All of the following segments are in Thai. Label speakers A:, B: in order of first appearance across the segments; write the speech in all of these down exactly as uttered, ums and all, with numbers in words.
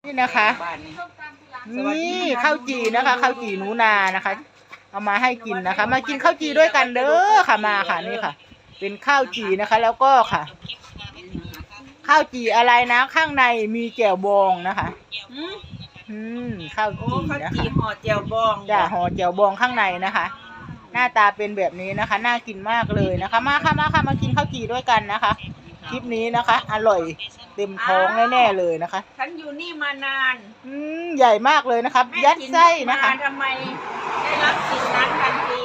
A: นี่นะคะนี่ข้าวจีนะคะข้าวจีหนูนานะคะเอามาให้กินนะคะ มากินข้าวจีด้วยกันเด้อค่ะมาค่ะนี่ค่ะ เป็นข้าวจีนะคะ แล้วก็ค่ะ ข้าวจีอะไรนะข้างในมีแจ่วบองนะคะอืมข้าวจีนะคะ
B: ห่อแจ่วบอง
A: จ้าห่อแจ่วบองข้างในนะคะ หน้าตาเป็นแบบนี้นะคะน่ากินมากเลยนะคะ มาค่ะมาค่ะมากินข้าวจีด้วยกันนะคะคลิปนี้นะคะ อร่อยเต็มท้องแน่ๆเลยนะคะ
B: ฉันอยู่นี่มานาน
A: อืมใหญ่มากเลยนะครับ ยัดไส้นะคะ
B: ทำไมได้รับสิ่งนั้นทันที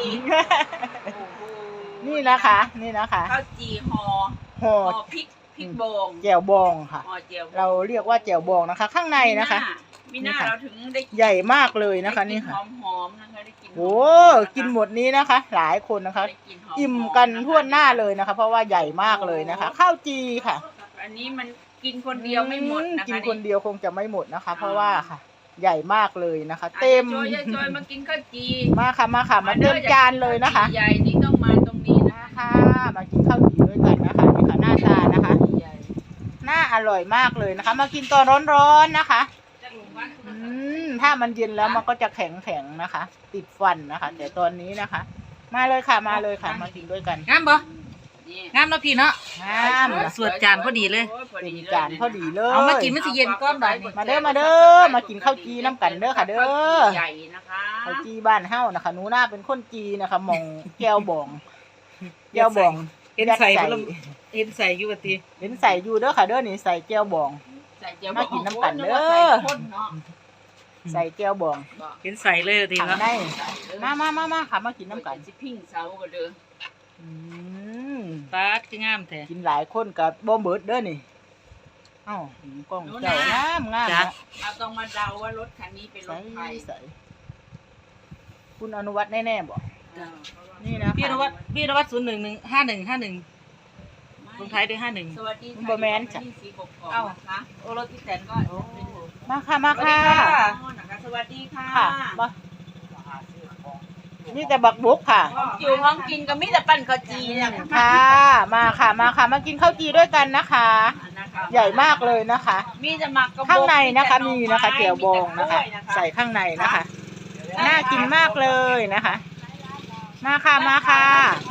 A: นี่นะคะนี่นะคะ
B: ข้าวจีห่อ
A: ห่อ
B: พริกพริกบอง
A: แจ่วบองค่ะเราเรียกว่าแจ่วบองนะคะ ข้างในนะคะ
B: มีหน้าเราถึงได้
A: ใหญ่มากเลยนะคะนี่ค่ะ
B: หอมๆนะคะได้กิน
A: โอ้กินหมดนี้นะคะ หลายคนนะคะอิ่มกันทั่วหน้าเลยนะคะ เพราะว่าใหญ่มากเลยนะคะข้าวจีค่ะ
B: อันนี้มันกินคนเดียวไม่หมดนะคะ
A: กินคนเดียวคงจะไม่หมดนะคะ เพราะว่าค่ะ ใหญ่มากเลยนะคะ เต็ม
B: จอยจอยมากินข้าวจี
A: มาค่ะมาค่ะมาเต็มจานเลยนะคะ
B: ใหญ่นี่ต้องมาตรงนี้
A: นะคะมากินข้าวจีด้วยกันนะคะนี่ค่ะหน้าตานะคะน่าอร่อยมากเลยนะคะ มากินตอนร้อนๆนะคะอืมถ้ามันเย็นแล้วมันก็จะแข็งแข็งนะคะ ติดฟันนะคะ แต่ตอนนี้นะคะ มาเลยค่ะมาเลยค่ะมากินด้วยกัน
C: งามบ่งามเนาะพี่เนาะ
A: งาม
C: สวดจานพอดีเลย
A: เป็นจานพอดีเลย
C: เอามากินมันสิเย็นก้อนบ่
A: มาเด้อมาเด้อมากินข้าวจีน้ำกันเด้อค่ะเด้อ
B: ใหญ่นะคะ
A: ข้าวจีบ้านเฮานะคะหนูหน้าเป็นคนจีนะคะมองแก้วบองแก้วบอง
C: เห็นใส่เห็นใส่อยู่บ่ติ
A: เห็นใส่อยู่เด้อค่ะเด้อนี่ใส่แก้วบองมากินน้ำกันเด้อใส่แก้วบอง
C: เห็นใส่เลยที
A: นะได้มามามามาค่ะมากินน้ำกัน
B: สิพิ้งเสาก็เด้อ
C: ปลาคืองามแท้
A: กินหลายคนกับบ่เบิดเด้อนี่เอ้ากล้องเจ้างามงาม
B: เราต้องมาเดาว่ารถคันนี้เป็นรถใคร
A: คุณอนุวัฒน์แน่ๆบอกนี่นะ
C: พี่อนุวัฒน์พี่อนุวัฒน์ศูนย์หนึ่งหนึ่งห้าหนึ่งห้าหนึ่งลงท้ายด้วยห้าหนึ่ง
B: สวัสดี
A: ค่ะแมนจ้ะ
B: เอ้าค่ะโอรถที่แตนก็
A: มาค่ะมาค่ะ
B: สวัสดีค่ะ
A: นี่แต่บักบุกค่ะ
B: อยู่ห้องกินก็มีแต่ปั่นข้าวจีเนี่ย
A: ค่ะมาค่ะมาค่ะมากินข้าวจีด้วยกันนะคะใหญ่มากเลยนะคะ
B: มีจะมัก
A: ข้างในนะคะมีนะคะแจ่วบองนะคะใส่ข้างในนะคะน่ากินมากเลยนะคะมาค่ะมาค่ะ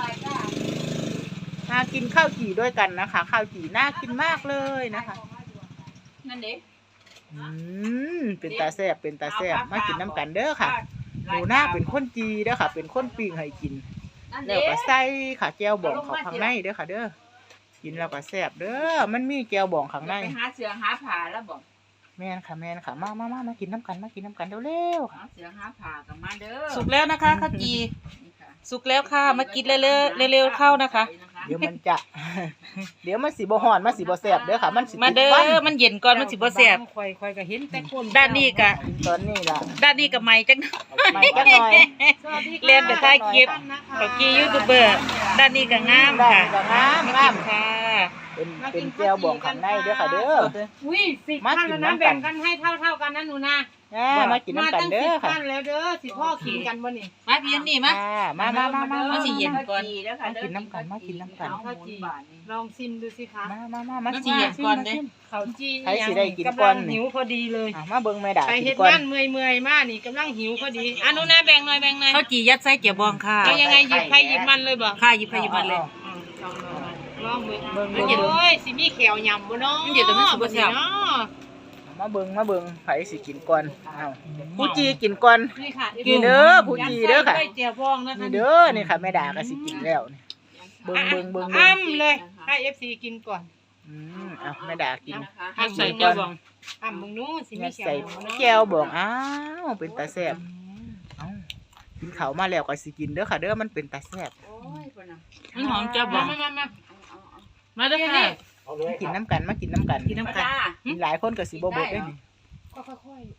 A: มากินข้าวจีด้วยกันนะคะข้าวจีน่ากินมากเลยนะคะ
B: นั่นเด็ก
A: อืมเป็นตาแซ่บเป็นตาแซ่บมากินน้ำกันเด้อค่ะหนูหน้าเป็นคนจีเด้อค่ะเป็นคนปิ้งให้กินแล้วก็ใส่ค่ะแก้วบองเขาข้างในเด้อค่ะเด้อกินแล้วก็แซ่บเด้อมันมีแก้วบองข้างใน
B: หาเสือหาผ่าแล้วบอก
A: แม่นค่ะแม่นค่ะมามามามากินน้ำกันมากินน้ำกันเร็วๆ
B: หาเสือหาผ่ากันมาเด้อ
C: สุกแล้วนะคะข้าวจีสุกแล้วค่ะมากินเร็วๆเร็วๆเข้านะคะ
A: เดี๋ยวมันจะเดี๋ยวมันสีบ่ฮ้อนมันสีบ่แซ่บเด้อค่ะมัน
C: สิมาเด้อมันเย็นก่อนมันสิบ่แซ่บ
B: ค่อยๆก็เห็นแต่คน
C: ด้านนี้ก็
A: ตอนนี้ล่ะ
C: ด้านนี้ก็ใหม่จัง
A: ใหม่จังหน่อย
C: เรียนไปถ่ายคลิปข้าวจียูทูบเบอร์ด้านนี้ก็งามค่ะ
A: งามงาม
C: ค่ะ
A: เป็นเป็นแก้วบองข้างในเด้อค่ะเด้อ
B: อุ้ยสิขั้นแล้วนะแบ่งกันให้เท่าๆกันนะหนูนะ
A: มากินน้ำกันเด้อค่ะ
B: มาตั้งสิบขั้นแล้วเด้อสิพ่อกินกันบ่นี่
C: มาพี่นี่มา
A: มามามามา
C: มาสิเย็นก่อน
A: มากินน้ำกันมากินน้ำกัน
B: ลองชิมดูสิคะ
A: มามามามา
C: สิเย็นก่อนเด้
B: เขาจี
A: ใครสิได้กินก่อน
B: หิวพอดีเลย
A: มาเบิ่งแม่ด่า
B: ไปเฮ็ดงานเมื่อยๆมานี่กำลังหิวพอดีอ่ะหนูนะแบ่งหน่อยแบ่งหน่อย
C: ข้าวจียัดไส้เจียวบองค่ะ
B: เอายังไงหยิบใครหยิบมันเลยบ่
C: ค่ะหยิบใครหยิบมันเลย
B: ลองเบิ่งมันโอ้ยสิมีแขวยำบ่เนาะ
C: มันเย็นแต่มันสิบ่แซ่บ
A: มาเบิ่งมาเบิ่งไผสิกินก่อนอ้าวผู้จีกินก่อน
B: นี่ค่ะ
A: กินเด้อผู้จีเด้อค่ะ
B: เจียวบองนะคะ
A: นี่เด้อนี่ค่ะแม่ด่าก็สิกินแล้วนี่เบิ่งเบิ่งเบิ่ง
B: อ้ำเลยให้ เอฟ ซี กินก่อน
A: อืมอ้าวแม่ด่ากิน
C: ให้ใส่แก้วบอง
B: อ้ำมึงนู้นสิมีแขว
A: แก้วบองอ้าวเป็นตาแซ่บเอ้ากินข้าวมาแล้วก็สิกินเด้อค่ะเด้อมันเป็นตาแซ่บ
B: โอ้ยพุ่นน่ะ
C: มันหอมแก้วบอง
B: มามา
C: มาเด้อค่ะ
A: มากินน้ำกันมากินน้ำกัน
C: กินน้ำกัน
A: กินหลายคนก็สิบ่เบิดได้นี่
B: ก็ค่อย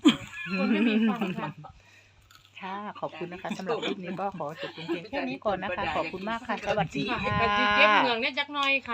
A: ๆค่ะขอบคุณนะคะสำหรับคลิปนี้ก็ขอจบเพียงแค่นี้ก่อนนะคะขอบคุณมากค่ะสวัสดีค่ะ
B: เก็บเหงือกเนี่ยจักหน่อยค่ะ